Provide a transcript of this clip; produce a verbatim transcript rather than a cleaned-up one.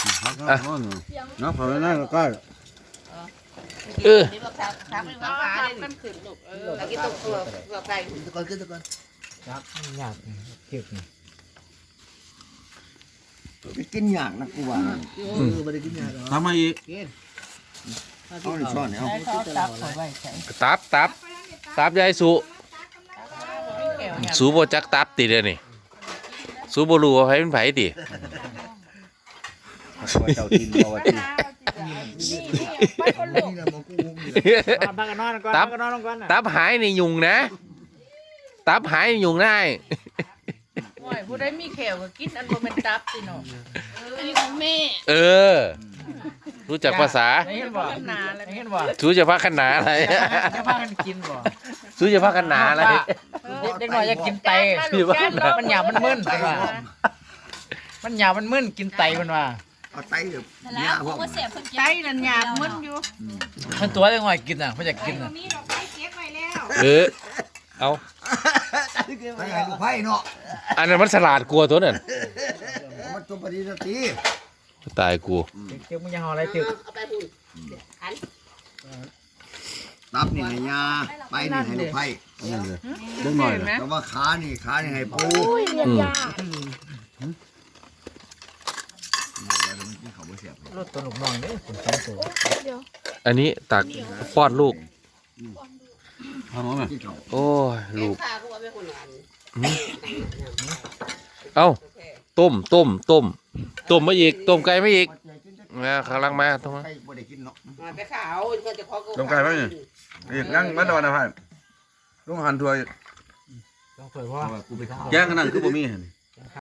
อ่ะน้ำเผาหน้าก็ใกล้เออทำให้ว่าขาเลยมันขึ้นลูกเออแล้วกินตัวเปลือกเปลือกไก่ตะกอนขึ้นตะกอนครับยากเก็บนี่ไปกินอย่างนะกูว่าเออไม่ได้กินยาหรอทำมาอีกเอาเอาในช้อนเนี่ยเอาให้เขาตับเขาไว้ใส่ตับตับตับยายสุสูบ่จักตับติเด้อนี่สูบ่รู้ว่าไผเป็นไผติเจ้าทินเอาไว้ที่พักกันนอนก่อนตัพับกกันนอนลงก่อนตับหายนี่ยุงนะตับหายยุงได้โอ้ยผู้ใดมีแขวก็กินอันบ่แม่นตับสิเนาะอันนี้ของแม่เออ รู้จักภาษาเห็นบ่เห็นบ่สูจะพักกันหนาอะไรจะพากันกินบ่สูจะพักกันหนาอะไรเด็กน้อยอยากกินไตมันหยาบมันมึนเป็นว่ามันหยาบมันมึนกินไตเป็นว่าเอาไตแบบยาพวกไก่นั่นหยาบมึนอยู่มันตัวเด็กน้อยกินอ่ะมันอยากกินอ่ะเออเอาไตไอ้ลูกไผ่เนาะอันนั้นมันฉลาดกลัวตัวนั้นมันตัวปฏิสติตายกูเก็บมึงยังห่ออะไรตึกเอาไปพุ่นหันตับนี่ให้ยาไปนี่ให้ลูกไผ่นั่นเลยเรื่องหน่อยแต่ว่าขานี่ขานี่ให้ปูอืมเขาบ่เสียบรถตัวหนุกน้องเนี่ยผมสองตัวอันนี้ตักป้อนลูกทำมั้ยโอ้ยลูกข้าก็ว่าไปคนละอันเอ้าต้มต้มต้มต้มมาอีกต้มไก่มาอีกนะกำลังมาตรงนั้นไก่บ่ได้กินเนาะมาไปขาวก็จะขอลงไก่ไหมเนี่ย อีกนั่งมาตอนนะพ่ายลุงหันทัวร์ต้องเผยว่ากูไปข้าวแย่งกันนั่งคือบ่มีหั่น